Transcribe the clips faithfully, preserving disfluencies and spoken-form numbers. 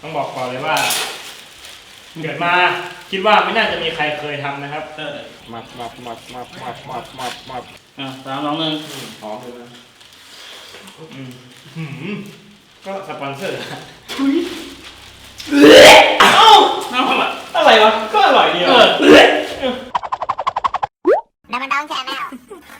ต้องบอกก่อนเลยว่าเกิดมาคิดว่าไม่น่าจะมีใครเคยทำนะครับมับมับมับมับมับมับมับมับอ่ะสามสองหนึ่งหอมเลยนะอืมก็สปอนเซอร์เอ้าน้ำอะไรอะไรวะก็อร่อยดีอ่ะน้ำมันดองแชร์แมว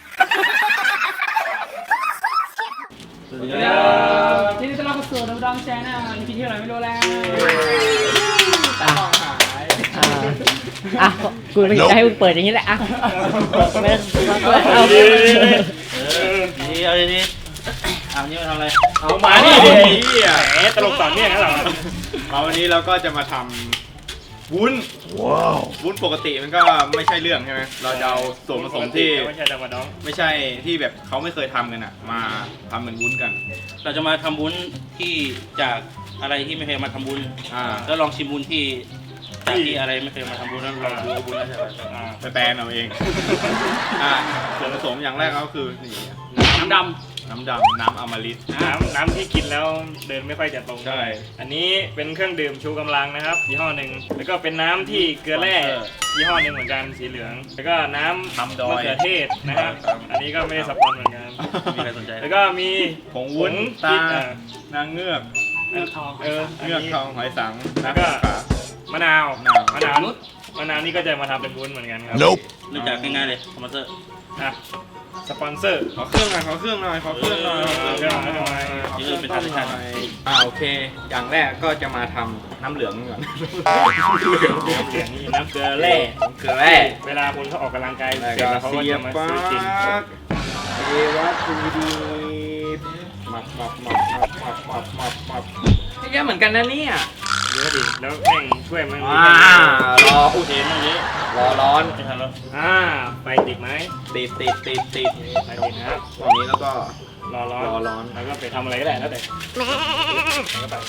สวัสดีครับที่นี่ต้อนรับเข้าสู่น้ำดองแชร์แนลอีพีที่อะไรไม่รู้แล้วตาหายอ่ะกูไม่อยากให้มึงเปิดอย่างนี้แหละอ่ะไม่เอาดีเอาดีเอานี่มาทำอะไรเอามาดิแหมตลกต่อเนี่ยนะเรามาวันนี้เราก็จะมาทำวุ้นว้าววุ้นปกติมันก็ไม่ใช่เรื่องใช่ไหมเราจะเอาส่วนผสมที่ไม่ใช่ธรรมดาไม่ใช่ที่แบบเขาไม่เคยทำกันอ่ะมาทำเป็นวุ้นกันเราจะมาทำวุ้นที่จากอะไรที่ไม่เคยมาทำวุ้นแล้วลองชิมวุ้นที่จากที่อะไรไม่เคยมาทำวุ้นแล้วลองดูวุ้นแล้วจะไปแปลงเอาเองส่วนผสมอย่างแรกก็คือนี่น้ำดำน้ำดำน้ำอมฤตน้ำน้ำที่กินแล้วเดินไม่ค่อยจะตรงใช่อันนี้เป็นเครื่องดื่มชูกำลังนะครับยี่ห้อหนึ่งแล้วก็เป็นน้ำที่เกลือแร่ยี่ห้อหนึ่งเหมือนกันสีเหลืองแล้วก็น้ำมะเขือเทศนะครับอันนี้ก็ไม่ได้สปอนเหมือนกันมีใครสนใจแล้วก็มีผงวุ้นตานางเงือกเงือกทองเออเงือกทองหอยสังแล้วก็มะนาวมะนาวมะนาวนี่ก็จะมาทำเป็นวุ้นเหมือนกันครับเริ่มจากง่ายๆเลยสปอนเซอร์อ่ะสปอนเซอร์ขอเครื่องหน่อยขอเครื่องหน่อยขอเครื่องหน่อยเครื่องหน่อยทำไมนี่คือเป็นทางที่ใช่อ่าโอเคอย่างแรกก็จะมาทำน้ำเหลืองก่อนนี่น้ำเกลือแร่เกลือแร่เวลาคนเขาออกกำลังกายเสร็จแล้วเขาก็จะมาซื้อกินเอวัตถุดิบมับมับมับมับมับมับมับมับเยอะเหมือนกันนะเนี่ยเยอะดิแล้วแม่งช่วยมันอ่ารอพูดเองตรงนี้รอร้อนจะทำแล้วอ่าไปติดไหมติดติดติดติดไปติดนะครับตอนนี้แล้วก็รอร้อนรอร้อนแล้วก็ไปทำอะไรก็ได้แล้วแต่แล้วไป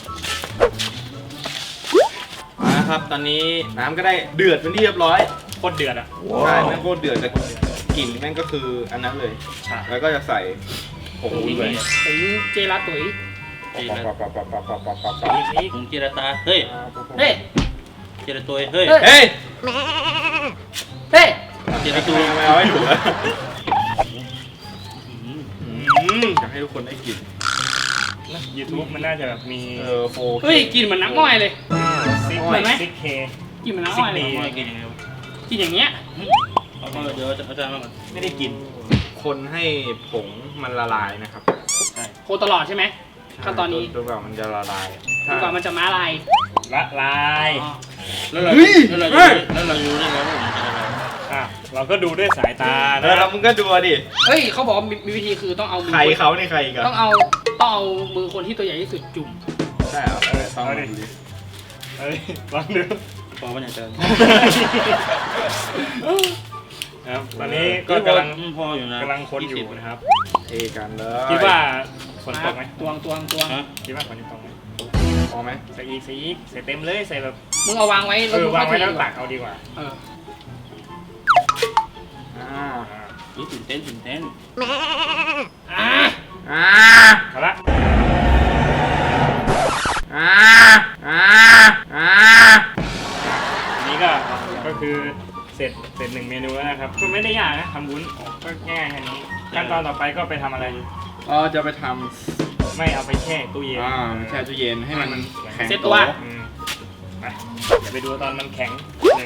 นะครับตอนนี้น้ำก็ได้เดือดเป็นที่เรียบร้อยโคตรเดือดอ่ะใช่แม่งโคตรเดือดแต่กลิ่นแม่งก็คืออันนั้นเลยแล้วก็จะใส่ผงวุ้นไปผงเจลาตุ๋ยจีราผงจีราตาเฮ้ยเฮ้ยจีราตัวเฮ้ยเฮ้ยเฮ้ยจีราตัวไม่เอาให้ถูกแล้วอยากให้ทุกคนได้กินยูทูบมันน่าจะแบบมีเออโฟเฮ้ยกินเหมือนน้ำอ้อยเลยเหมือนไหมซิกเคกินเหมือนน้ำอ้อยเลยกินยังไงกินอย่างเงี้ยเดี๋ยวอาจารย์มาก่อนไม่ได้กินคนให้ผงมันละลายนะครับใช่โคตลอดใช่ไหมขั้นตอนนี้จนกว่ามันจะละลายจนกว่ามันจะม้าลายละลายแล้วเราแล้วเราแล้วเรารู้ได้ไงว่ามันจะละลายอ่ะเราก็ดูด้วยสายตานะแล้วมึงก็ดูดิเฮ้ยเขาบอกมีวิธีคือต้องเอามือใครเขานี่ใครกันต้องเอาต้องเอามือคนที่ตัวใหญ่ที่สุดจุ่มใช่เหรอเออต้องดูดิเฮ้ยลองดูพอมันอย่างเดิมครับตอนนี้ก็กำลังพออยู่นะกำลังคนอยู่นะครับเทกันเลยคิดว่าฝนตกไหมตวงตวงตวงคิดว่าฝนจะตกไหมพอไหมใส่อีกใส่อีกใส่เต็มเลยใส่แบบมึงเอาวางไว้เออวางไว้แล้วตักเอาดีกว่าเอออ่านี่ตื่นเต้นตื่นเต้นอ่าอ่าเอาละอ่าอ่าอ่าอันนี้ก็ก็คือเสร็จเสร็จหนึ่งเมนูแล้วนะครับก็ไม่ได้ยากนะทำวุ้นก็ง่ายแค่นี้ขั้นตอนต่อไปก็ไปทำอะไรก็จะไปทำไม่เอาไปแช่ตู้เย็นอ่าแช่ตู้เย็นให้มันแข็งเซ็ตตัวไปอย่าไปดูตอนมันแข็งเลย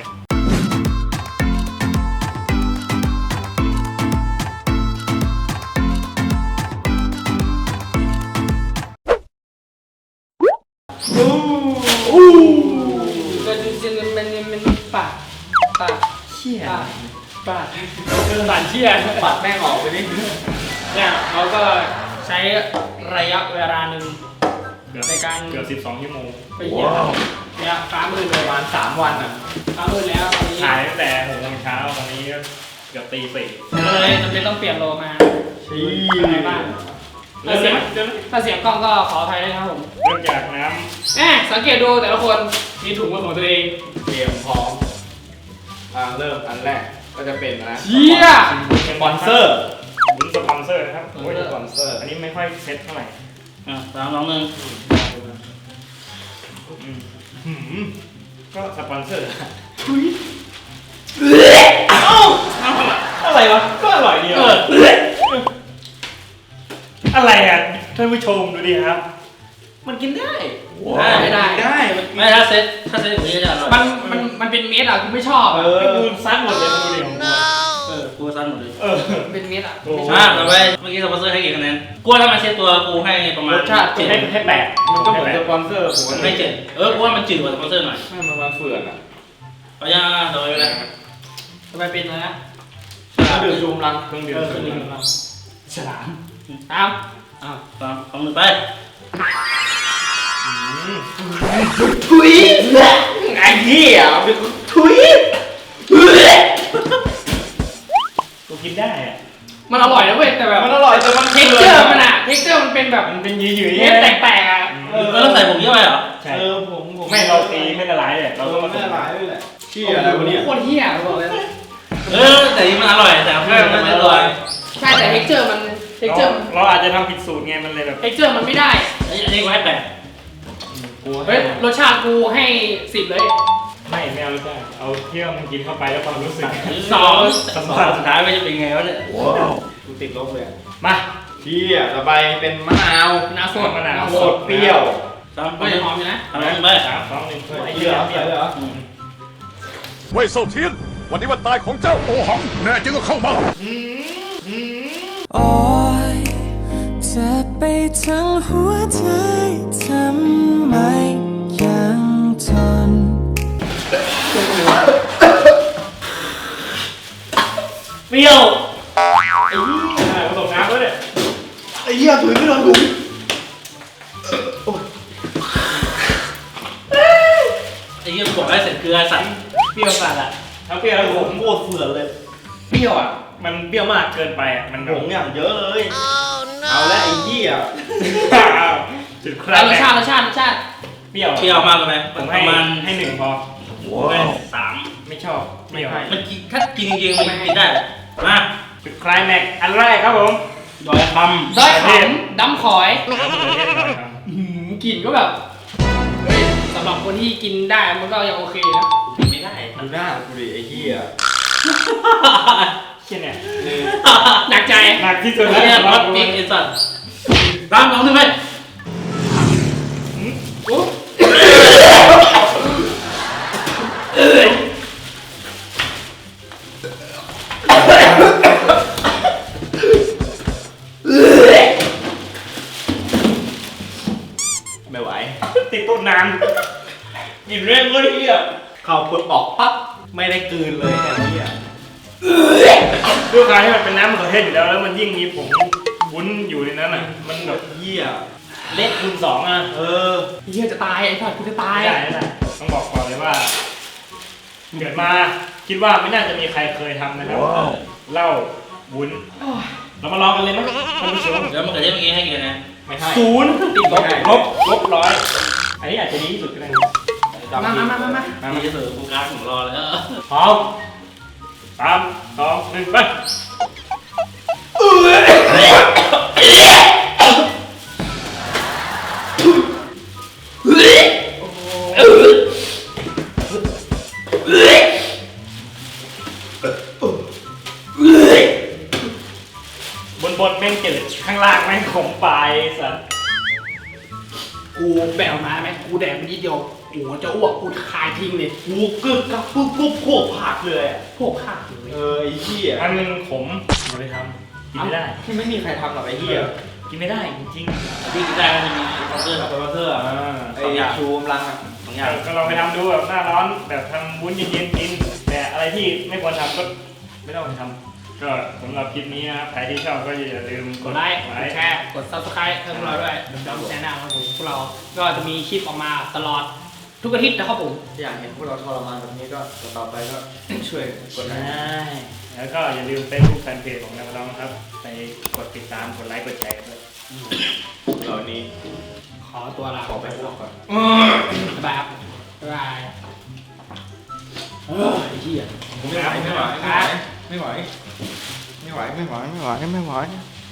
อู้ก็จริงๆมันมันปากปากเชี่ยปากปากเชี่ยปากแม่งออกไปนิดเนี่ยเขาก็ใช้ระยะเวลาหนึ่งในการเกือบสิบสองชั่วโมงไปเยี่ยมเนี่ยฟ้ามืดประมาณสามวันอ่ะฟ้ามืดแล้วตอนนี้ถ่ายตั้งแต่หกโมงเช้าตอนนี้ก็เกือบตีสี่เลยจำเป็นต้องเปลี่ยนโลมาชี้อะไรบ้างถ้าเสียงถ้าเสียงกล้องก็ขออภัยด้วยครับผมเริ่มจากน้ำแหมสังเกตดูแต่ละคนมีถุงมือของตัวเองเตรียมพร้อมอ่าเริ่มอันแรกก็จะเป็นนะเชี่ยสปอนเซอร์วุ้นสปอนเซอร์นะครับโอ้ยสปอนเซอร์อันนี้ไม่ค่อยเซ็ตเท่าไหร่อ่ะสามสองหนึ่งอืมหืมก็สปอนเซอร์เอ้าอะไรวะก็อร่อยดีเออ่ะออะไรอ่ะท่านผู้ชมดูดิครับมันกินได้ได้ได้ได้ไม่ถ้าเซ็ตถ้าเซ็ตอย่างนี้จะอร่อยมันมันมันเป็นเม็ดอ่ะกูไม่ชอบเออ่ะอกูซัดหมดเลยดูดิของกูเออกูสั้นหมดเลยเออมันเป็นเม็ดอ่ะโอ้ไม่ชมาอบต่อไปเมื่อกี้สปอนเซอร์ให้กี่คะแนนกูว่าถ้ามันเซ็ตตัวกูให้ประมาณรสชาติเจ็ดให้ให้แปดมันก็เหมือนสปอนเซอร์ผมมันไม่เจ็ดเออกูว่ามันจืดกว่าสปอนเซอร์หน่อยไม่มันมาเฟื่อนอ่ะเอายังต่อไปเลยทำไมเป็นอะไรนะถ้าดื่มชูกำลังเครื่องดื่มเออชูคือกำหนึ่ลังงเราฉลามตามอ้าวสามสองหนึ่งไปทุยไอ้เหี้ยเป็นทุยกูกินได้อ่ะมันอร่อยนะเว้ยแต่แบบมันอร่อยแต่มันเท็กเจอร์มันอะเท็กเจอร์มันเป็นแบบมันเป็นหยืดๆเม็ดไงแตกๆอ่ะเออแล้วใส่ผงเยอะไปเหรอใช่เออผมผมไม่เราตีไม่ละลายเลยเราเราต้องก็มาไม่ละลายด้วยแหละเชี่ยโอ้อะไรโหวะเนี่ยโคตรเหี้ยบอกเลยเออแต่นี่มันอร่อยแต่เพื่อนมันไม่อร่อยใช่แต่เท็กเจอร์มันเท็กเจอร์เราอาจจะทำผิดสูตรไงมันเลยแบบเท็กเจอร์มันไม่ได้อันนี้กูให้แปดกูเฮ้ยรสชาติกูให้สิบเลยไม่ไม่เอาจ้ะเอาเที่ยวมันกินเข้าไปแล้วความรู้สึกสองสองสุดท้ายไม่จะเป็นไงวะเนี่ยกูติดลบเลยอะมาเชี่ยต่อไปเป็นมะนาวน้ำสดมะนาวสดเปรี้ยวสามเฮ้ยหอมอยู่นะสามไปสามสองหนึ่งใส่เหรอใส่เหรอเว่ยเซาเทียน วันนี้วันตายของเจ้าโอหัง แน่จริงก็เข้ามาโอ้ยเจ็บไปทั้งหัวใจทำไมยังทนเปรี้ยวไอ้นี่ผสมน้ำด้วยเนี่ยไอ้เหี้ยถุยไม่โดนถุยไอ้เหี้ยบอกให้ใส่เกลือสั่นเปรี้ยวสัดอ่ะทั้งเปรี้ยวแล้วผมโคตรเฟื่อนเลยเปรี้ยวอ่ะมันเปรี้ยวมากเกินไปอ่ะมันผงอย่างเยอะเลย เอาละไอ้เหี้ยจุดคแล้ราวรสชาติรสชาติรสชาติเปรี้ยวเปรี้ยวมากเลยไหมผมปให้ระมาณให้หนึ่งพอสามไม่ชอบเปรี้ยวมันกินถ้ากินจริงๆมันกินได้มาจุดคลายแม็กอันแรกครับผมดอยคด้อยขำดำขอยน้ำมะเขือเทศหน่อยครับอื้อหือกลิ่นก็แบบเฮ้ยสำหรับคนที่กินได้มันก็ยังโอเคนะำกินไม่ได้ดูหน้ากูดิไอ้เหี้ยเชี่ยเนี่ยหนักใจหนักที่สุดไอ้แล้วเนี่ยรสพริกไอ้สัตว์ตามสองหนึ่งไปไม่ไหวติดต้นน้ำกลิ่นเร่งเลยเฮียเข้าปุ๊บออกปั๊บไม่ได้กลืนเลยไอ้เหี้ยด้วยการที่มันเป็นน้ำมะเขือเทศอยู่แล้วแล้วมันยิ่งมีผงวุ้นอยู่ในนั้นอ่ะมันแบบเหี้ยเละคูณสองอ่ะเออเฮียจะตายไอ้สัตว์กูจะตายไม่ได้ไม่ได้ต้องบอกก่อนเลยว่าเกิดมาคิดว่าไม่น่าจะมีใครเคยทำนะครับเหล้าวุ้นเรามาลองกันเลยไหมท่านผู้ชมแล้วมะเขือเทศเมื่อกี้ให้กี่คะแนนไม่ให้ศูนย์ติดลบไม่ให้ลบลบร้อยอันนี้อาจจะดีที่สุดก็ได้นะมามามามามามาที่จะเสิร์ฟโฟกัสผมรอแล้วพร้อมสามสองหนึ่งไปบนบนแม่งจืดข้างล่างแม่งขมปลายสัสกูแบกมาไหมกูแดกไปนิดเดียวโอ้โหจะอ้วกกูคายทิ้งเลยกูกึกกับปุ๊บปุ๊บพวกผักเลยอะพวกข้าวเลยเออไอ้เหี้ยอันนึงขมอย่าไปทำกินไม่ได้ที่ไม่มีใครทำหรอกไอ้เหี้ยกินไม่ได้จริงที่กินได้ก็จะมีสปอนเซอร์สปอนเซอร์ๆอะอ่าไอ้ชูกำลังอะสองอย่างก็ลองไปทำดูแบบหน้าร้อนแบบทำวุ้นเย็นๆกิน แต่อะไรที่ไม่ควรทำก็ไม่ต้องไปทำก็สำหรับคลิปนี้นะครับใครที่ชอบก็อย่าลืมกดไลค์กดแชร์กด ซับสไครต์ให้พวกเราด้วยเดี๋ยวเราแชร์หน้าครับผมพวกเราก็จะมีคลิปออกมาตลอดทุกอาทิตย์นะครับผมอยากเห็นพวกเราทรมานแบบนี้ก็ต่อไปก็ ช่วยกดไลใช่ค์แล้วก็อย่าลืม Facebook Fanpage ของนักร้องครับ ไปกดติดตามกดไลค์กดแชร์ด้วยเหล่านี้ขอตัวลาขอไปพวกก่อนบ๊ายบายครับบ๊ายบายเฮ้ยไอ้เหี้ยไม่ไหวไม่ไหวไม่ไหวไม่ไหวไม่ไหวไม่ไหวไม่ไหวไม่ไหว